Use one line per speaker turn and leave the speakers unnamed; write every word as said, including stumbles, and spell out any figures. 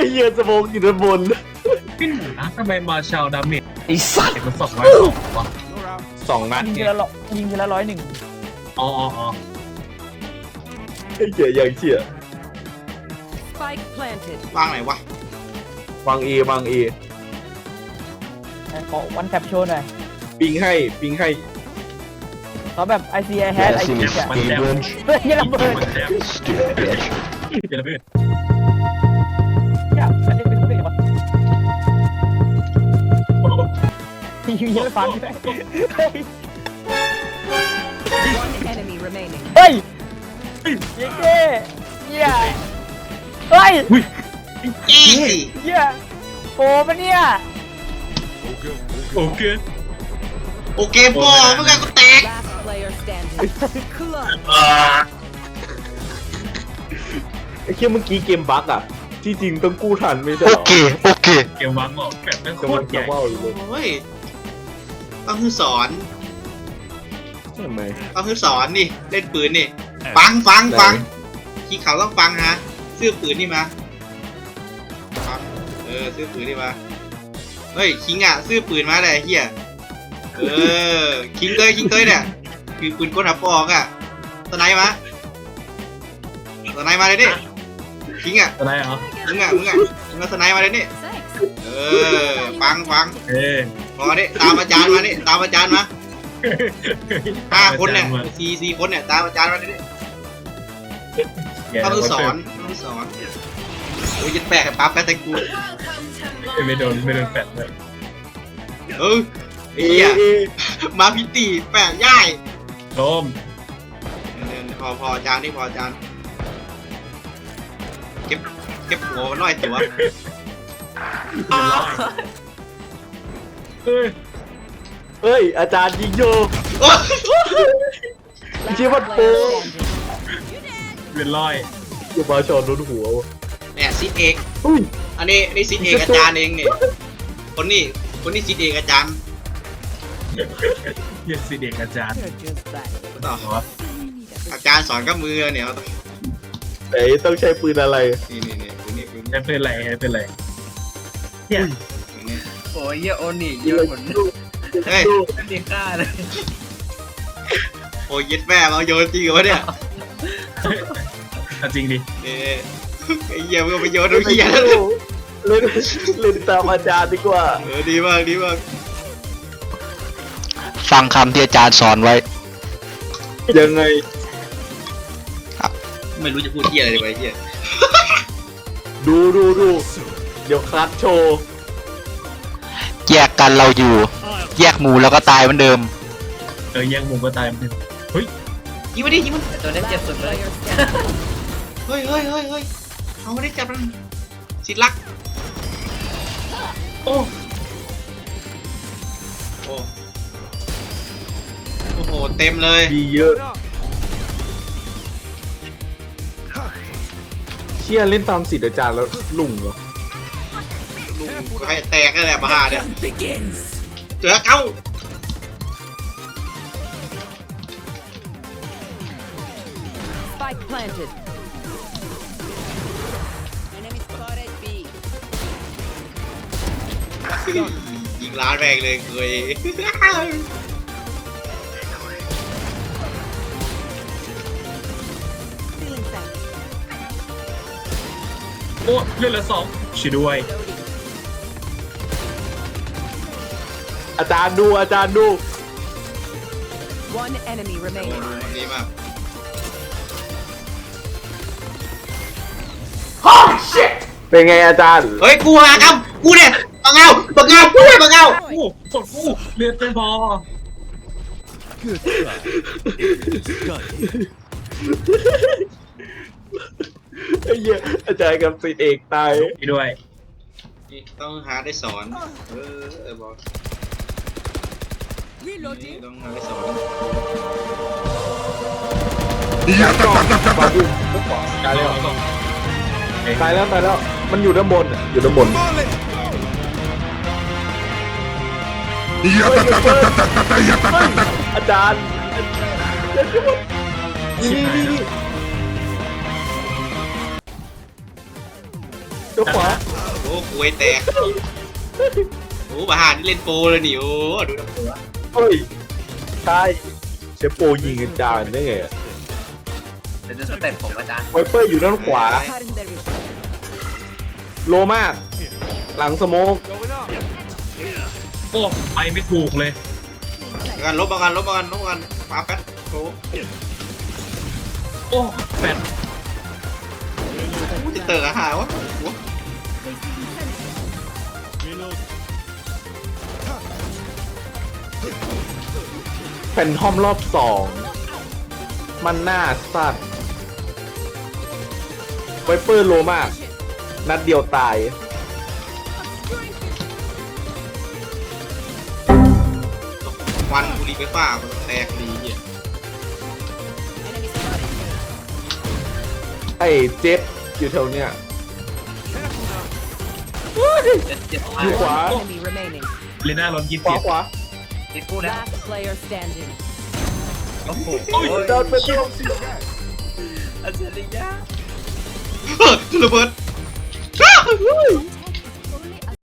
เหี้ยสมองอยู่ด้านบน
พี่หนูนะทำไมมาชาวดาเมจ
ไอ้สัตว์
เห็นมันสองร้อยสองวะ
สองนัด
ยิงที
เนี่ย
ละร้อยยิงทีละร้อยหนึ่ง
อ๋ออ๋ออ๋อ
ไอ้เหี้ยอย่างเชี่ย
Spike planted.
วางไหนวะ
วางเอวางเอ
ขอวันแท็บโชว์หน่อย
ปิงให้ปิงให้
เขาแบบ I see I had I see อะ
มันแดม
เฮ้ยระเบิด
มันแดม
Stupid bitch.
เดี๋ยวนะพี่
เนี่ยอันนี้เป็นเรื่องวะยิงเยอะฟังเลย
One enemy remaining.
เฮ้ยเย้เย้เย้เฮ้ย
เอ้ย
เย้โอ้ปะเนี่ย
โอเค
โอเคบอเมื่อกี้กูแตก
Last player standing. Clutch.
ไอ้เชี่ยเมื่อกี้เกมบั๊กอ่ะที่จริงต้องกู้ทันไม่ใช่เหรอ
Okay, okay.
เกมวังออกแบบไม่โค
จะมั
ต
น
รให
จะ
ญ่
ว่าวอยู่เลย
โอ้ยต้องคือสอน
ใช่ไหม
ต้องคือสอนนี่เล่นปืนนี่ฟังฟังฟังขี้เขาต้องฟังฮะซื้อปืนนี่มาฟังเออซื้อปืนนี่มาเฮ้ยคิงอ่ะซื้อปืนมาเลยเฮียเออคิงเลยคิงเลยเนี่ยคือปืนกลหับปอกอ่ะสไนมาสไนมาเลยดิคิงอ่ะ
อะไรเหรอ
มึงอ่ะมึงอ่ะมึงมาสไนมาเลยนี่
Thanks.
เออฟังฟัง
เอ้ย
พอนี่ตามอาจารย์มานี่ตามอาจารย์มาห้าคนเนี่ยสี่สี่คนเนี่ยตามอาจารย์มานี่ต้องคือสอนต้องคือสอนโอ้ยยัดแปะให้ปั๊บแป๊บแต่กู
ไม่โดนไม่โดนแฟดเลย
เออไอ้
เอ
เหี้ย
เอ
มาพิตีแปะย่าย
โดม
พอพออาจารย์นี่พออาจารย์เก็บเก็บหัวมันหน่อยสิวะ
เอ้ย
เฮ้ยอาจารย์ยิงโย
โอ้ย
Last
Give it
player
four.
standing.
เป็นร้อย
อย่ามาชอนโดนหัววะ
เนี่ยซิดเอก
เฮ้ย
อันนี้นี่ซิดเอกอาจารย์เองเนี่ยคนนี้คนนี้ซิดเอกอาจารย์
เยี่ยสิเด็กอาจารย์
You're just bad.
ต่อ
เหรอ
อาจารย์สอนกับมือเนี่ย
ไหนต้องใช้ปืนอะไร
นี่นี่นี่ปืนนี่ปืน
ไม่เป็นไรไม่เป็นไรเนี่ย
นี่
โอ้ยเหี้ยโอนี่เยอะเหมือน
เฮ้ย
ไม่มีค่าเลย
โอ้ยยึดแม่มาโยนจริงเหรอเนี่ย
เอาจริงดิ
เออไอ้เหี้ยมึงเอาไปโยนดูเหี้ยแล้ว
เล่นเล่นตามอาจารย์ดีกว่า
เออดีมากดีมาก
ฟังคำที่อาจารย์สอนไว้
ยังไง
ไม่รู้จะพูดเหี้ยอะไรดีวะไอ้เหี้ย
ดูดูดูเดี๋ยวคัดโชว์
แยกกันเราอยู่ แยกหมู่แล้วก็ตายเหมือนเดิม
เออแย่งมุมก็ตายมันเฮ้ย
ยิงมาดิยิงมัน
แต่ตัวนี้เจ็บ
Last
สุดเลย
player standing.
เฮ้ยเฮ้ยเฮ้ยเฮ้ยเอาไม่ได้จับมันสิทธิ์รัก
โอ้
โอ้โอ้โหเต็มเลย
ดีเยอะเชี่ยเล่นตามสิทธิ์อาจารย์แล้วลุ่งเหรอ
ลุงให้แตกนั่นแหละมาหาเนี่ยเจอเก้า
Spike planted. Enemy spotted B.
ยิงล้านแรงเลยเคย
Feeling thanks.
โอ้เลือดเหลือสองช่วยด้วย
อาจารย์ดูอาจารย์ดู
One enemy
โอ้
remaining.
ดีมาก
เป็นไงอาจารย์
เฮ้ยกูมาครับกูเนี่ยบังเอาบังเอากูเนี่ยบังเอา
โอ้กดกูเลือดไม่พอ
ไอ้เหี้ยอาจารย์กับสิทธิ์เอกตาย
ไปด้วย
นี่ต้องหาได้สอนเออเออบอกนี่ต้องหาได้สอน
ตายแล้วตายแล้วตายแล้วมันอยู่ด้านบนอะอยู่ด้านบนอาจารย์นี่นี่นี่เดี๋ยวขวา
อ้คุยแตกโอ้บาหานี่เล่นโปรเลยนี่โอ้ดูนะ
เฮ้ยใช่เชฟโปยิงกันจานได้ไง
เดี๋ยวจะสเต็ปผมอาจารย์
ไวเปอร์อยู่ด้านขวา
Cutting their vision.
โลมาก หลังสโมก
โอ้ไปไม่ถูกเลย
กันลบมากันลบมากันลบมากันปาแป๊ดโอ้
โอ้แฟน
จะเตอร์อาหารวะ
แฟนทอมรอบสองมันหน้าสัตว์ไวเปอร์โลมาก นัดเดียวตาย
วันบุรีไปฟ้ามันแตกดีเนี่ย
Enemy spotted.
ไอ้เจ็บอยู่แถวเนี้ย
เจ็ดเจ็ด
อยู่ขวา
Enemy remaining.
เลน่าร้อนยี่
ขวา
สิบ
ขวา
ติดคู่นะ
Last player standing.
โอ้โห
โดนไปเดียว
อาจารย์ยา
เฮ้ยระเบิด